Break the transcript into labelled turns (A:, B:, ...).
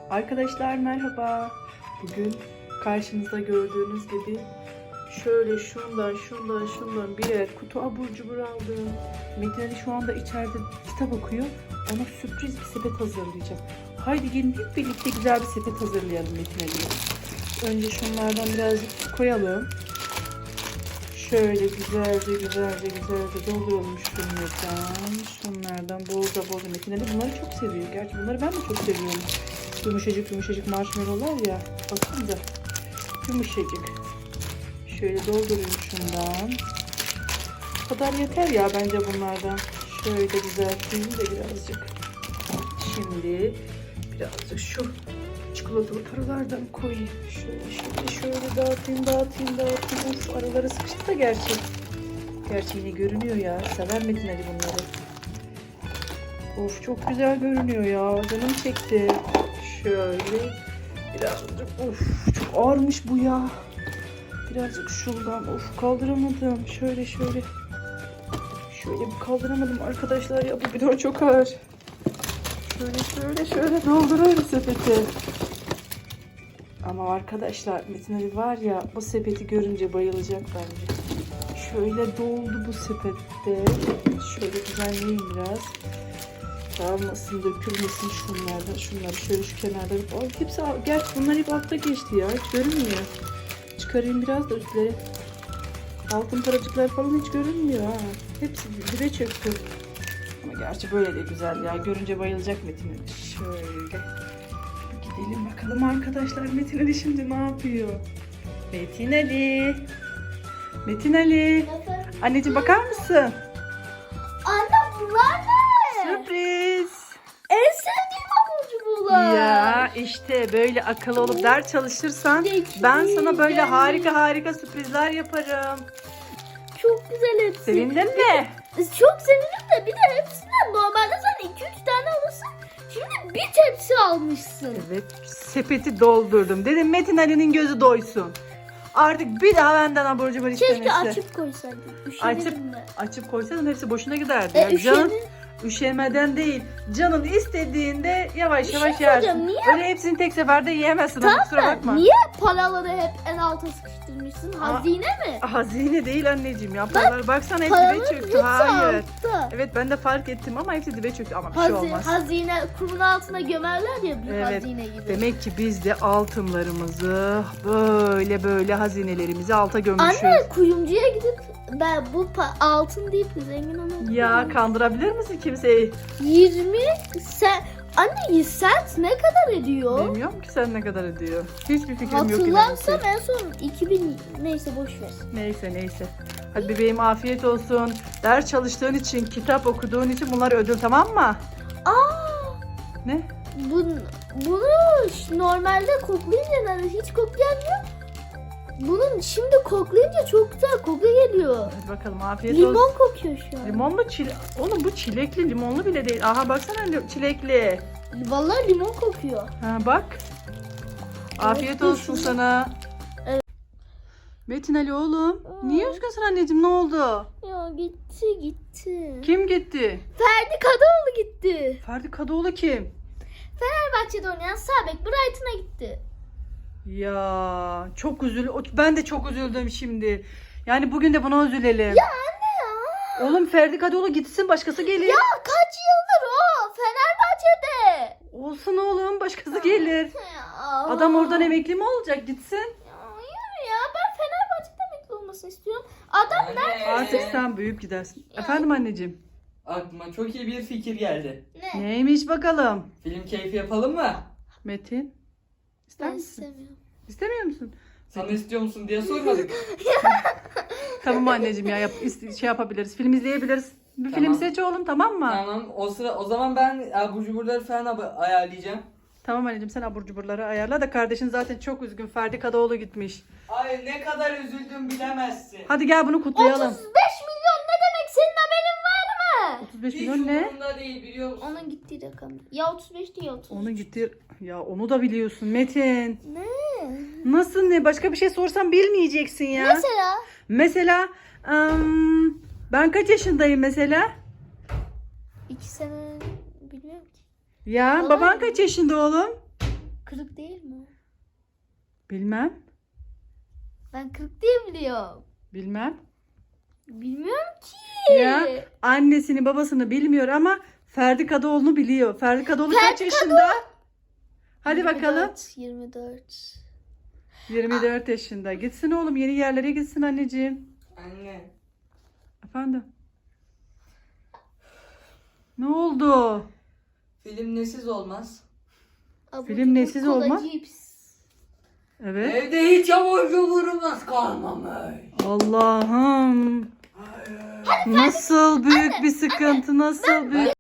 A: Arkadaşlar merhaba. Bugün karşınızda gördüğünüz gibi şöyle şundan birer kutu abur cubur aldım. Metin Ali şu anda içeride kitap okuyor. Ona sürpriz bir sepet hazırlayacağım. Haydi gelin hep birlikte güzel bir sepet hazırlayalım Metin Ali'ye. Önce şunlardan birazcık koyalım. Şöyle güzelce dolduralım şunlardan bolca Metin Ali bunları çok seviyor. Gerçi bunları ben de çok seviyorum. Yumuşacık marshmallowlar ya. Bakın da yumuşacık. Şöyle doldurayım şundan. Bu kadar yeter ya bence bunlardan. Şöyle düzelteyim de birazcık. Şimdi birazcık şu çikolatalı paralardan koyayım. Şöyle dağıtayım. Of, araları sıkıştı da gerçi. Gerçi yine görünüyor ya. Sever Metin Ali bunları. Of çok güzel görünüyor ya. Canım çekti. Şöyle birazcık. Of çok ağırmış bu ya. Birazcık şuradan. Of kaldıramadım. Şöyle bir kaldıramadım arkadaşlar ya. Bu bidon çok ağır. Şöyle dolduruyorum sepeti. Ama arkadaşlar Metin Ali var ya bu sepeti görünce bayılacak bence. Şöyle doldu bu sepette. Şöyle düzenleyeyim biraz. Dağılmasın, dökülmesin şunları şöyle şu kenarda. Hepsi, gerçi bunlar hep altta geçti ya. Hiç görünmüyor. Çıkarayım biraz da üstleri. Altın paracıklar falan hiç görünmüyor ha. Hepsi dibe çöktü. Ama gerçi böyle de güzel ya. Görünce bayılacak Metin Ali. Şöyle. Gidelim bakalım arkadaşlar. Metin Ali şimdi ne yapıyor? Metin Ali. Anneciğim bakar mısın?
B: Anne bunlar ne?
A: Sürpriz.
B: En sevdiğim abur cuburlar.
A: Ya işte böyle akıllı olup ders çalışırsan ben sana böyle harika sürprizler yaparım.
B: Çok güzel hepsi.
A: Sevindin mi?
B: Çok sevindim de bir de hepsinden normalde sen 2-3 tane alırsın. Şimdi bir tepsi almışsın.
A: Evet, sepeti doldurdum. Dedim Metin Ali'nin gözü doysun. Artık bir daha benden abur cubur istemesi.
B: Keşke açıp koysaydın. Üşenirim de.
A: Açıp koysaydın hepsi boşuna giderdi. Ya. Canın üşemeden değil. Canın istediğinde yavaş yersin.
B: Niye?
A: Öyle hepsini tek seferde yiyemezsin.
B: Tamam
A: kusura bakma.
B: Niye paraları hep en alta sıkıştırmışsın? Hazine mi?
A: Hazine değil anneciğim ya. Paralar baksana hepsi dibe çöktü. Hayır.
B: Altta.
A: Evet ben de fark ettim ama hepsi dibe çöktü ama bir şey olmaz.
B: Hazine kumun altına gömerler ya bir
A: Evet.
B: hazine gibi.
A: Demek ki biz de altınlarımızı böyle hazinelerimizi alta gömmüşüz.
B: Anne kuyumcuya gidip ben bu altın deyip zengin olabilirim.
A: Ya kandırabilir misin kimseyi?
B: 20 sen anne sent ne kadar ediyor?
A: Bilmiyorum ki sen ne kadar ediyor. Hiçbir fikrim yok.
B: Hatırlarsam en son 2000 neyse boş ver.
A: Neyse. Hadi bebeğim afiyet olsun. Ders çalıştığın için, kitap okuduğun için bunlar ödül tamam mı? Ne?
B: Bunu normalde koklayınca hiç koklayamıyor. Bunun şimdi koklayınca çok güzel koku geliyor.
A: Hadi bakalım afiyet olsun.
B: Limon kokuyor şu an.
A: Limon mu Oğlum bu çilekli limonlu bile değil. Aha baksana çilekli.
B: Vallahi limon kokuyor.
A: Ha bak. Afiyet olsun sana.
B: Evet.
A: Metin Ali oğlum. Niye üzgünsün anneciğim ne oldu?
B: Ya gitti.
A: Kim gitti?
B: Ferdi Kadıoğlu gitti.
A: Ferdi Kadıoğlu kim?
B: Fenerbahçe'de oynayan Sabek Brighton'a gitti.
A: Ya çok ben de çok üzüldüm şimdi. Yani bugün de buna üzülelim.
B: Ya anne ya.
A: Oğlum Ferdi Kadıoğlu gitsin başkası gelir.
B: Ya kaç yıldır o Fenerbahçe'de.
A: Olsun oğlum başkası gelir.
B: Ya.
A: Adam oradan emekli mi olacak gitsin?
B: Ya ben Fenerbahçe'de emekli olmasını istiyorum. Adam nerede?
A: Artık sen büyüyüp gidersin. Efendim anneciğim.
C: Aklıma çok iyi bir fikir geldi.
B: Ne?
A: Neymiş bakalım?
C: Film keyfi yapalım mı?
A: Metin. İster
B: Ben
A: misin?
B: istemiyorum.
A: İstemiyor musun?
C: Sana istiyor musun diye sormadık.
A: Tamam anneciğim ya şey yapabiliriz. Film izleyebiliriz. Bir film
C: Tamam.
A: seç oğlum tamam mı?
C: Tamam o zaman ben abur cuburları falan ayarlayacağım.
A: Tamam anneciğim sen abur cuburları ayarla da kardeşin zaten çok üzgün. Ferdi Kadıoğlu gitmiş.
C: Ay ne kadar üzüldüm bilemezsin.
A: Hadi gel bunu kutlayalım.
B: 35 milyon ne demek senin haberin var mı?
A: 35
C: Hiç
A: milyon ne?
C: umurumda değil biliyor musun?
B: Onun gittiği rakam. Ya 35 değil 30.
A: Onu gitti. Ya onu da biliyorsun Metin.
B: Ne?
A: Nasıl ne? Başka bir şey sorsam bilmeyeceksin ya. Mesela ben kaç yaşındayım mesela?
B: 2 sene bilmiyorum ki.
A: Ya
B: Olay
A: baban
B: mı?
A: kaç yaşında oğlum?
B: 40 değil mi?
A: Bilmem.
B: Ben 40 diye biliyorum.
A: Bilmem.
B: Bilmiyorum ki.
A: Ya annesini babasını bilmiyor ama Ferdi Kadıoğlu'nu biliyor. Ferdi Kadıoğlu kaç yaşında? Hadi bakalım.
B: 24.
A: 24 yaşında. Gitsin oğlum, yeni yerlere gitsin anneciğim.
C: Anne.
A: Efendim? Ne oldu?
C: Film nesiz olmaz.
B: Abur
A: Film
B: cubur,
A: nesiz
B: kola,
A: olma?
B: cips.
A: Evet.
C: Evde hiç abur cuburumuz kalmamış.
A: Allah'ım. Nasıl büyük bir sıkıntı, nasıl büyük.